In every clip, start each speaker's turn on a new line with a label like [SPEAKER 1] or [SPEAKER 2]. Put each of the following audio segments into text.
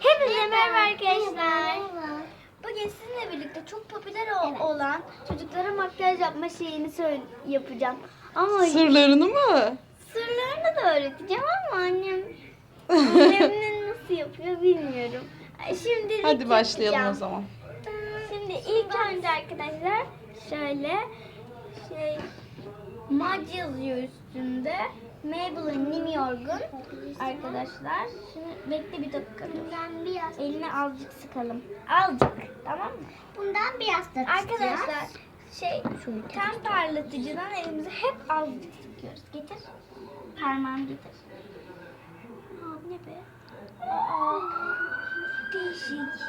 [SPEAKER 1] Hepinize merhaba arkadaşlar. Bugün sizinle birlikte çok popüler olan çocuklara makyaj yapma şeyini yapacağım. Ama
[SPEAKER 2] Sırlarını mı?
[SPEAKER 1] sırlarını da öğreteceğim ama annem nasıl yapıyor bilmiyorum. Şimdi
[SPEAKER 2] Hadi başlayalım o zaman.
[SPEAKER 1] Şimdi ilk önce arkadaşlar şöyle mac yazıyor üstünde. Maybelline New York'un arkadaşlar. Şimdi bekle bir dakika.
[SPEAKER 3] Bundan biraz,
[SPEAKER 1] Eline azıcık sıkalım. Azıcık, tamam mı?
[SPEAKER 3] bundan biraz da
[SPEAKER 1] Arkadaşlar ten parlatıcıdan elimize hep azıcık sıkıyoruz. Getir. Parmağını getir. Aa, bu ne be? Aa, değişik.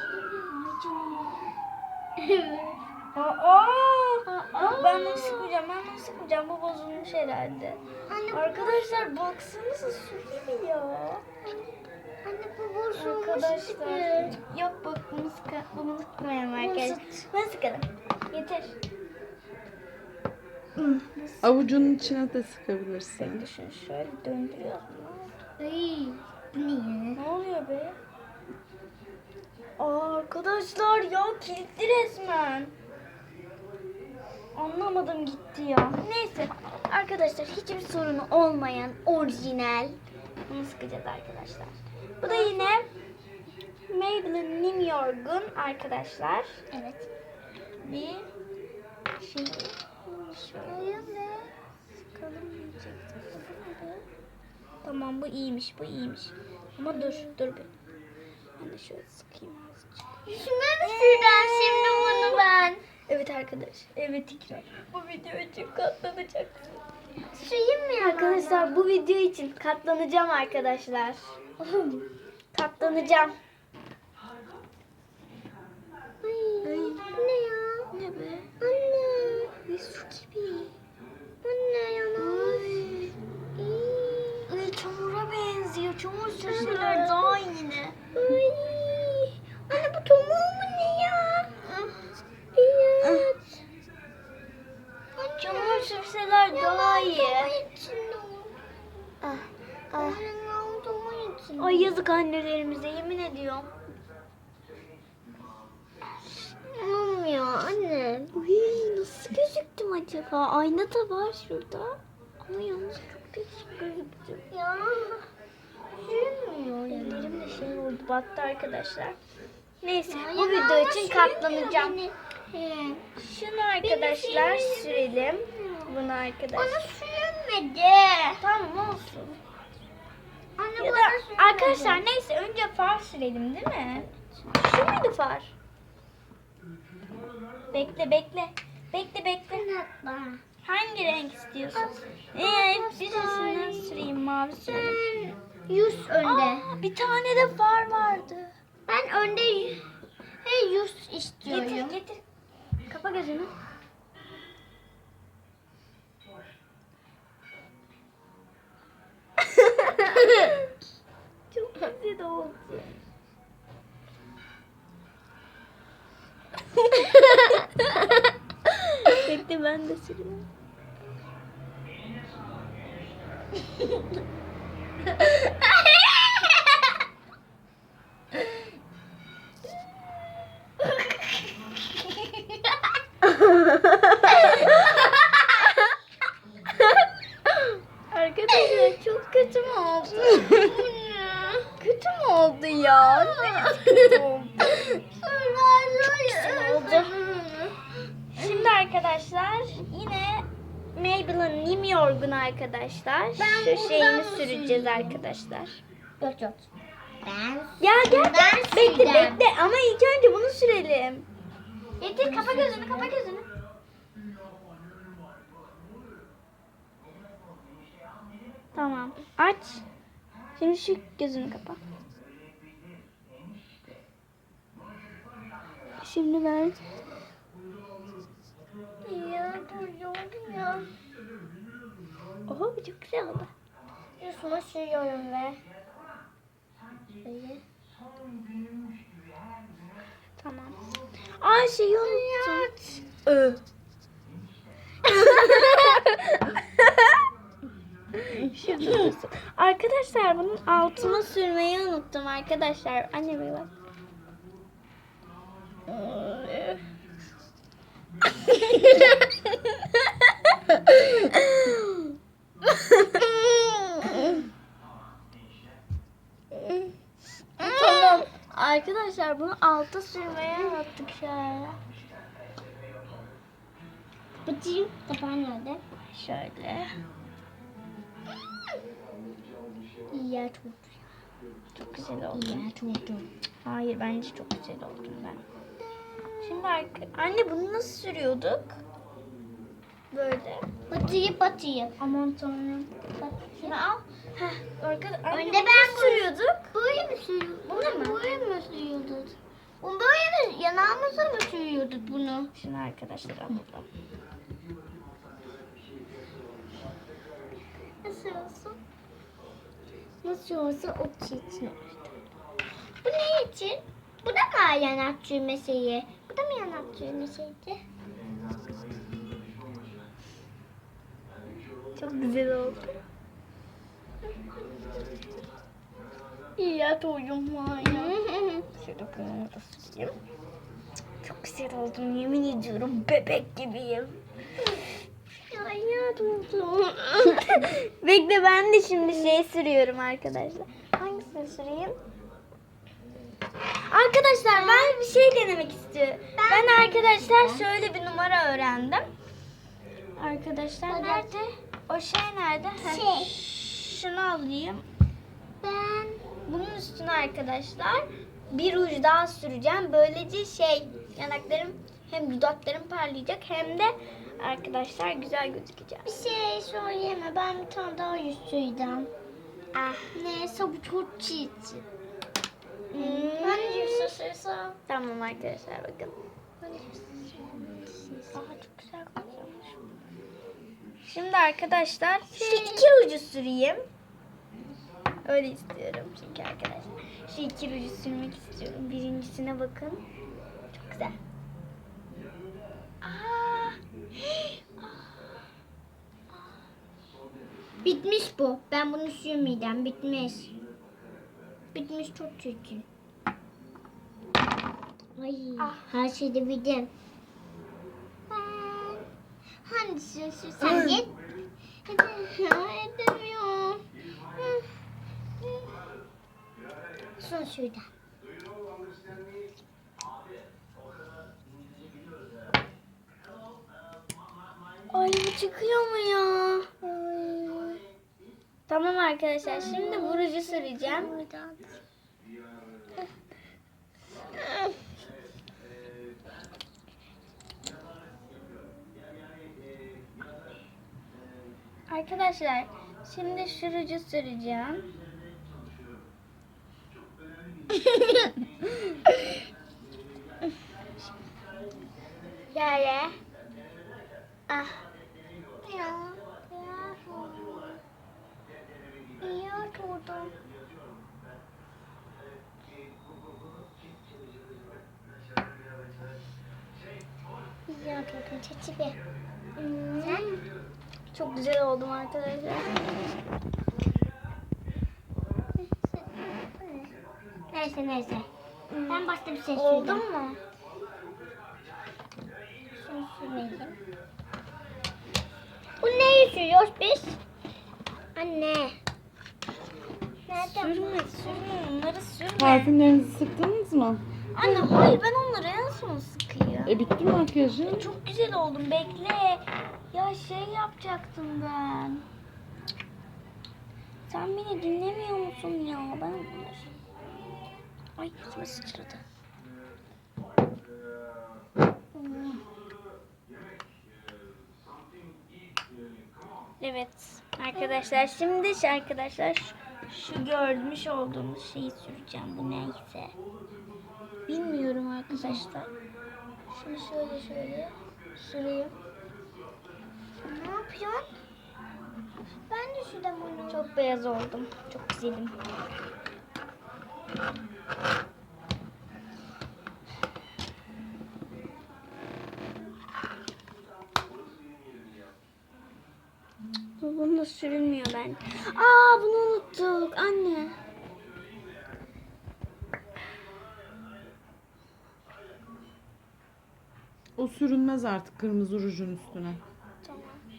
[SPEAKER 1] Ben bunu sıkmayacağım. Bu bozulmuş herhalde.
[SPEAKER 3] Anne,
[SPEAKER 1] Arkadaşlar baksanıza su gibi ya.
[SPEAKER 3] Anne bu bozulmuş
[SPEAKER 1] Arkadaşlar.
[SPEAKER 3] gibi.
[SPEAKER 1] Yok bak bunu sıkmayalım arkadaşlar. Ben sıkalım. Yeter.
[SPEAKER 2] Avucunun içine de sıkabilirsin.
[SPEAKER 1] Düşün şöyle döndürüyoruz.
[SPEAKER 3] Ay, niye?
[SPEAKER 1] Ne oluyor be? Aa, arkadaşlar ya kilitli resmen. Anlamadım gitti ya. Neyse arkadaşlar hiçbir sorunu olmayan orijinal. Bunu sıkacağız arkadaşlar. Bu da yine Maybelline New York'un arkadaşlar.
[SPEAKER 3] Evet.
[SPEAKER 1] Bir şey. Şöyle sıkalım diyecektim. Tamam bu iyiymiş. Ama dur bir. Ben de şöyle sıkayım azıcık.
[SPEAKER 3] Yüzüme mi süreceğim şimdi bunu ben?
[SPEAKER 1] Evet arkadaş. Evet İkra. Bu video için katlanacaksın.
[SPEAKER 3] Süreyim mi ya?
[SPEAKER 1] Arkadaşlar bu video için katlanacağım arkadaşlar. Katlanacağım.
[SPEAKER 3] Ay, bu ne ya?
[SPEAKER 1] Ne be?
[SPEAKER 3] Anne.
[SPEAKER 1] Ay, su gibi.
[SPEAKER 3] Anne yanar.
[SPEAKER 1] Ay, çamura benziyor. Çamur sürseler daha iyi ne?
[SPEAKER 3] Ay. Anne bu tomuğu mu ne ya? Evet.
[SPEAKER 1] Çamur sürseler daha iyi.
[SPEAKER 3] İçinde o.
[SPEAKER 1] Ah, ah.
[SPEAKER 3] Anne o tomuğun içinde.
[SPEAKER 1] Ay yazık annelerimize yemin ediyorum.
[SPEAKER 3] Olmuyor anne.
[SPEAKER 1] Uy, nasıl gözüktüm acaba? Ayna da var şurada. Ama yalnız çok değişik gözüktüm.
[SPEAKER 3] Ya. Sürmüyor ya.
[SPEAKER 1] Ellerim de şey oldu, battı arkadaşlar. Neyse
[SPEAKER 3] Ya,
[SPEAKER 1] bu video
[SPEAKER 3] ama
[SPEAKER 1] için
[SPEAKER 3] sürmüyor
[SPEAKER 1] katlanacağım.
[SPEAKER 3] beni. He.
[SPEAKER 1] Şunu arkadaşlar sürelim. Bunu arkadaşlar.
[SPEAKER 3] Bana sürmedi.
[SPEAKER 1] Tamam olsun.
[SPEAKER 3] Anne
[SPEAKER 1] Ya da
[SPEAKER 3] bana sürmedi.
[SPEAKER 1] arkadaşlar neyse önce far sürelim değil mi? Şu muydu far? Bekle.
[SPEAKER 3] Anlatma.
[SPEAKER 1] Hangi renk istiyorsun? Birisinden süreyim, mavi sürelim.
[SPEAKER 3] Yüz önde.
[SPEAKER 1] Aa, bir tane de far vardı.
[SPEAKER 3] Ben önde yüz istiyorum.
[SPEAKER 1] Getir. Kapa gözünü. Çok güzel oldu. Bekle ben de süreyim. Arkadaşlar çok kötü mü oldu? Kötü mü oldu ya? Kötü oldu. oldu. Şimdi arkadaşlar yine Maybelline New York'un arkadaşlar şu şeyini süreceğiz arkadaşlar.
[SPEAKER 3] Yok. Ben
[SPEAKER 1] Ya gel
[SPEAKER 3] Ben
[SPEAKER 1] bekle
[SPEAKER 3] süreceğim.
[SPEAKER 1] ama ilk önce bunu sürelim.
[SPEAKER 3] Getir kapa gözünü.
[SPEAKER 1] Tamam aç. Şimdi şu gözünü kapa. Şimdi ben
[SPEAKER 3] Ya dur ya.
[SPEAKER 1] oho bu çok güzel oldu.
[SPEAKER 3] Yüzüme sürüyorum ve. Böyle.
[SPEAKER 1] Tamam. Aa şeyi unuttum. Şurada dursun. Arkadaşlar bunun altına sürmeyi unuttum arkadaşlar. Anne bir bak. Tamam. Arkadaşlar bunu alta sürmeye unuttuk şöyle.
[SPEAKER 3] Bakayım. Kapan nerede?
[SPEAKER 1] Şöyle.
[SPEAKER 3] Ya çok.
[SPEAKER 1] Çok güzel oldu.
[SPEAKER 3] Ya çok.
[SPEAKER 1] Hayır bence çok güzel oldum ben. Şimdi anne bunu nasıl sürüyorduk? Böyle.
[SPEAKER 3] Batıyı.
[SPEAKER 1] Aman tanrım.
[SPEAKER 3] Bak.
[SPEAKER 1] Şunu al. Heh, anne
[SPEAKER 3] Önde
[SPEAKER 1] bunu
[SPEAKER 3] ben
[SPEAKER 1] nasıl sürüyorduk?
[SPEAKER 3] Böyle mi sürüyorduk?
[SPEAKER 1] Bunu mu?
[SPEAKER 3] Böyle mi sürüyorduk? Bunu böyle mi? Yanağımıza mı sürüyorduk bunu?
[SPEAKER 1] Şunu arkadaşlar alalım.
[SPEAKER 3] Nasıl olsun? Nasıl olsa o için. Bu ne için? Bu da mı yanak çürüme şeyi? Bu da mı yanak çürüme şeydi?
[SPEAKER 1] Çok güzel oldu. İyi ya toyum var ya. Şöyle bunu da süreyim. Çok güzel oldum yemin ediyorum bebek gibiyim.
[SPEAKER 3] Ay ya tuttum.
[SPEAKER 1] Bekle ben de şimdi şey sürüyorum arkadaşlar. Hangisini süreyim? Arkadaşlar ben bir şey denemek istiyorum. Ben arkadaşlar şöyle bir numara öğrendim. Arkadaşlar nerede? O şey nerede?
[SPEAKER 3] Şey.
[SPEAKER 1] Şunu alayım.
[SPEAKER 3] Ben
[SPEAKER 1] Bunun üstüne arkadaşlar bir ruj daha süreceğim. Böylece yanaklarım hem dudaklarım parlayacak hem de arkadaşlar güzel gözükeceğim.
[SPEAKER 3] bir şey söyleyeme. Ben bir tane daha yüz süreceğim.
[SPEAKER 1] Ah.
[SPEAKER 3] Neyse bu çok çiğ.
[SPEAKER 1] Hmm.
[SPEAKER 3] Ben yüz sürsem.
[SPEAKER 1] Tamam arkadaşlar bakın.
[SPEAKER 3] Aa, çok güzel kokuyormuş.
[SPEAKER 1] Şimdi arkadaşlar şu iki ruju süreyim. Öyle istiyorum çünkü arkadaşlar. Şu iki ruju sürmek istiyorum. Birincisine bakın. Çok güzel. Aa.
[SPEAKER 3] Bitmiş bu. Ben bunu sürmeyeceğim. Bitmiş. Bitmiş çok çirkin. Ay,
[SPEAKER 1] Ah.
[SPEAKER 3] her şeyde bildim. Ben hangisini sürsem git. Edemiyorum. Son şuradan.
[SPEAKER 1] Ay bu çıkıyor mu ya? Tamam arkadaşlar şimdi bu ruju süreceğim.
[SPEAKER 3] Buradan.
[SPEAKER 1] Arkadaşlar şimdi şu ruju süreceğim. Şöyle. Ah.
[SPEAKER 3] Ya, ya oturdum. Ya oturdum çeçibi. Sen?
[SPEAKER 1] Çok güzel oldum arkadaşlar.
[SPEAKER 3] Neyse. Ben başka bir şey
[SPEAKER 1] Oldu
[SPEAKER 3] söyleyeyim.
[SPEAKER 1] mu?
[SPEAKER 3] Şunu sürmeyelim. Bu neyi sürüyoruz biz? Anne. Nerede?
[SPEAKER 1] Sürme onları sürme.
[SPEAKER 2] Parfümlerinizi sıktınız mı?
[SPEAKER 1] Anne hayır ben onları en son sıkayım.
[SPEAKER 2] Bitti mi makyajın?
[SPEAKER 1] Çok güzel oldum bekle. Ya şey yapacaktım ben. Sen beni dinlemiyor musun ya? Ben ay yüzüme sıçradı. Evet arkadaşlar şimdi arkadaşlar şu görmüş olduğumuz şeyi süreceğim bu neyse. Bilmiyorum arkadaşlar. Şimdi şöyle süreyim.
[SPEAKER 3] Ne yapıyorsun? Ben de şurada bunu.
[SPEAKER 1] Çok beyaz oldum. Çok güzelim. Bunu da Sürülmüyor ben. Aa, bunu unuttuk anne.
[SPEAKER 2] O sürünmez artık kırmızı rujun üstüne.
[SPEAKER 1] Tamam.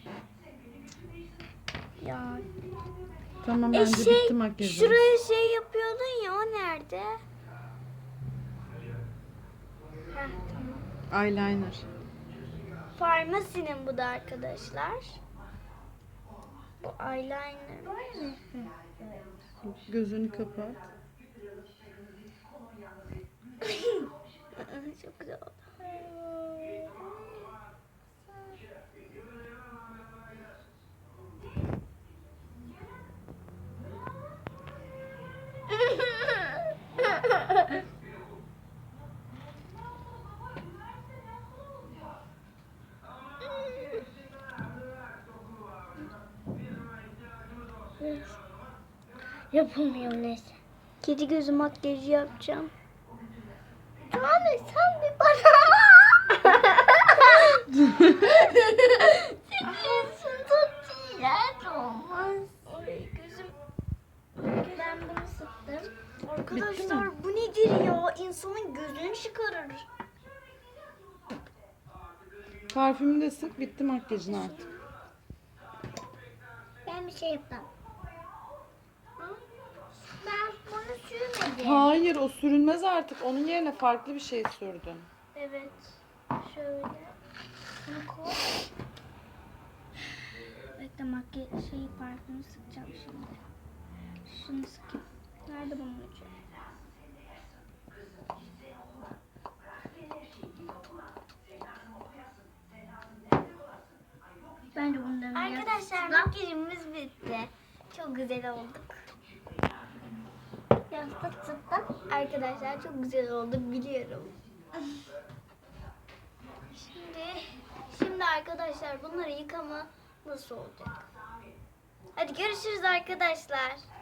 [SPEAKER 1] Ya.
[SPEAKER 2] Tamam bence bitti makyajı.
[SPEAKER 1] Şuraya şey yapıyordun ya, o nerede? Heh, tamam.
[SPEAKER 2] Eyeliner.
[SPEAKER 1] Farmasinin bu da arkadaşlar. Bu eyeliner.
[SPEAKER 2] Gözünü kapat.
[SPEAKER 1] Çok güzel oldu.
[SPEAKER 3] Yapamıyorum neyse.
[SPEAKER 1] Kedi gözü makyajı yapacağım.
[SPEAKER 3] Anne sen bir bana. Sekiyorsun çok iğrenç olmaz.
[SPEAKER 1] Ay gözüm.
[SPEAKER 3] Ben bunu sıktım.
[SPEAKER 1] Arkadaşlar bu nedir ya? İnsanın gözünü çıkarır.
[SPEAKER 2] Parfümü de sık, bitti makyajın artık.
[SPEAKER 3] Ben bir şey yaptım. Ben bunu sürmedim.
[SPEAKER 2] Hayır, o sürünmez artık. Onun yerine farklı bir şey sürdün.
[SPEAKER 1] Evet. Şöyle. Bunu koy. Bekle, makyaj parfümü sıkacağım şimdi. Şunu sıkayım. Nerede bunun ucu?
[SPEAKER 3] Bence bundan
[SPEAKER 1] Arkadaşlar makyajımız bitti. Çok güzel olduk.
[SPEAKER 3] yastık sıktım.
[SPEAKER 1] Arkadaşlar çok güzel olduk biliyorum. Şimdi arkadaşlar bunları yıkama nasıl olacak? Hadi görüşürüz arkadaşlar.